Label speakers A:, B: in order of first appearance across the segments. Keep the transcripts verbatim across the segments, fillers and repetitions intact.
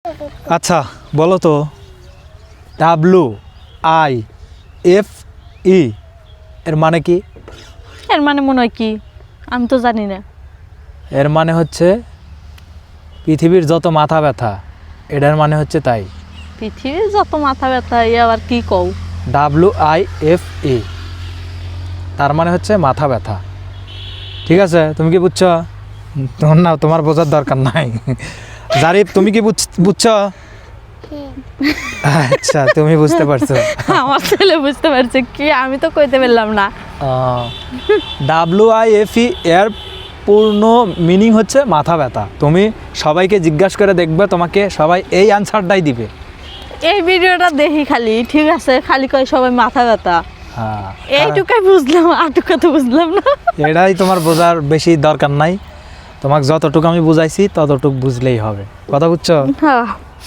A: আচ্ছা বলো তো ডাব্লু আই এফ ই এর মানে কি?
B: এর মানে মনে হয় কি আমি তো জানি না।
A: এর মানে হচ্ছে পৃথিবীর যত মাথা ব্যথা, এটার মানে হচ্ছে তাই।
B: পৃথিবীর যত মাথা ব্যথা এ আবার কি কও?
A: ডাব্লু আই এফ ই তার মানে হচ্ছে মাথা ব্যথা। ঠিক আছে, তুমি কি বুঝছো? তোমার না, তোমার বোঝার দরকার নাই। জারিফ তুমি কি বুঝছো? আচ্ছা তুমি বুঝতে পারছো।
B: আমার ছেলে বুঝতে পারছে কি, আমি তো কইতে পারলাম না।
A: ডাব্লু আই এফ ই এর পূর্ণ মিনিং হচ্ছে মাথা ব্যথা। তুমি সবাইকে জিজ্ঞাসা করে দেখবে, তোমাকে সবাই এই আনসারটাই দিবে।
B: এই ভিডিওটা দেখি খালি, ঠিক আছে, খালি কয় সবাই মাথা ব্যথা,
A: হ্যাঁ
B: এইটুকাই বুঝলাম, আটুকা তো বুঝলাম না।
A: এটাই তোমার বোঝার বেশি দরকার নাই, তোমাকে যতটুকু আমি বুঝাইছি ততটুকু বুঝলেই হবে। কথা বুঝছো?
B: হ্যাঁ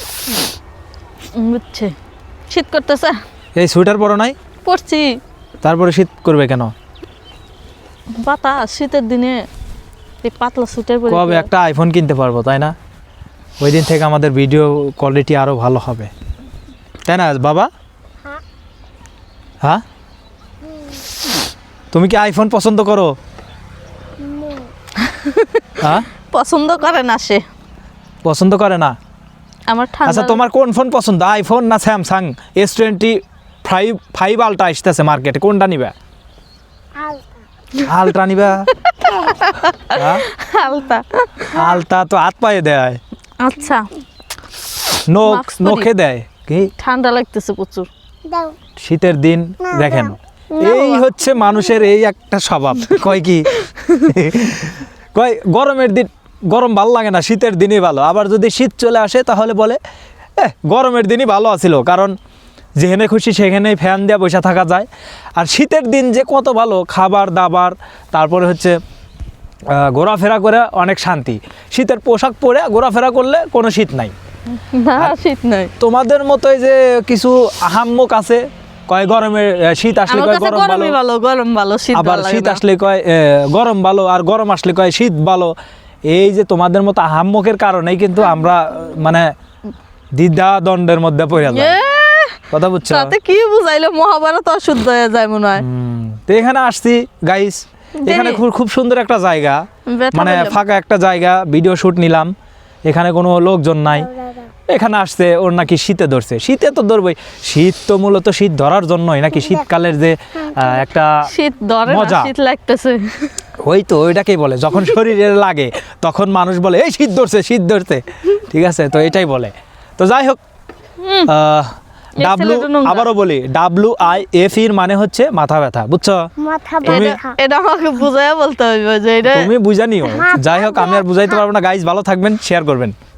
B: বুঝছে। শীত করতেছে?
A: এই সোয়েটার পরো নাই?
B: পরছি।
A: তারপরে শীত করবে কেন?
B: বাতাস শীতের দিনে এই পাতলা সোয়েটার পরে
A: কবে একটা আইফোন কিনতে পারবো, তাই না? ওই দিন থেকে আমাদের ভিডিও কোয়ালিটি আরো ভালো হবে, তাই না বাবা? হ্যাঁ, তুমি কি আইফোন পছন্দ করো? হ্যাঁ
B: পছন্দ করে না সে।
A: পছন্দ করে না?
B: আমার ঠান্ডা।
A: আচ্ছা তোমার কোন ফোন পছন্দ, আইফোন না Samsung S twenty five five ultra আসতেছে মার্কেটে, কোনটা নিবা? আলট্রা নিবা?
B: আলতা
A: আলট্রা তো হাত পায়ে দেয়,
B: আচ্ছা
A: নখ
B: মাস্ক পরি।
A: নখে দেয়। কি
B: ঠান্ডা লাগতেছে প্রচুর।
A: শীতের দিন দেখেন, এই হচ্ছে মানুষের এই একটা স্বভাব। কয় কি কয় গরমের দিন গরম ভালো লাগে না, শীতের দিনই ভালো। আবার যদি শীত চলে আসে তাহলে বলে এ গরমের দিনই ভালো আছিল, কারণ যেখানে খুশি সেখানেই ফ্যান দিয়ে বসে থাকা যায়। আর শীতের দিন যে কত ভালো, খাবার দাবার, তারপরে হচ্ছে ঘোরাফেরা করে অনেক শান্তি। শীতের পোশাক পরে ঘোরাফেরা করলে কোনো শীত নাই।
B: না শীত নাই।
A: তোমাদের মতোই যে কিছু আহাম্মক আছে, কয় গরমে শীত আসলে
B: আমার
A: কয়
B: কাছে
A: গরম
B: গরমই
A: ভালো,
B: ভালো, গরম ভালো, শীত
A: আবার
B: ভালো
A: শীত
B: লাগে না।
A: আসলে কয় এ, গরম ভালো, আর গরম আসলে কয় শীত ভালো। এই যে তোমাদের মতো আহাম্মকের কারণেই কিন্তু আমরা মানে দ্বিধা দ্বন্দ্বের মধ্যে পড়ে যাই।
B: এ,
A: কথা বুঝছো?
B: তাতে কি বুঝাইলো, মহাভারত অশুদ্ধ হয়ে যায় মনে হয়।
A: হুম, তো এখানে আসছি গাইস, এখানে
B: দেখি।
A: খুব খুব সুন্দর একটা জায়গা,
B: ব্যথা
A: মানে
B: পেলাম।
A: ফাঁকা একটা জায়গা, ভিডিও শুট নিলাম। এখানে কোনো লোকজন নাই। এখানে আসছে ওর নাকি শীতে ধরছে। শীতে তো ধরবই, শীত তো মূলত শীত ধরার জন্যই নাকি, শীতকালের যে আহ, একটা
B: শীত ধরে না,
A: মজা।
B: শীত লাগতেছে।
A: ওই তো ওইটাকেই বলে, যখন শরীরে লাগে তখন মানুষ বলে এই শীত ধরছে শীত ধরছে। ঠিক আছে, তো এটাই বলে। তো যাই হোক,
B: এই
A: ডাব্লু
B: ছেলেটা নোংরা।
A: আবারও বলি, ডাব্লু আই এফ ইর মানে হচ্ছে মাথা ব্যথা, বুঝছো?
C: মাথা
A: তুমি-
C: ব্যথা।
B: এটা আমাকে বুঝাইয়া বলতে হবে যে এটা
A: তুমি বুঝানিও। যাই হোক, আমি আর বুঝাইতে পারবো না গাইস, ভালো থাকবেন, শেয়ার করবেন।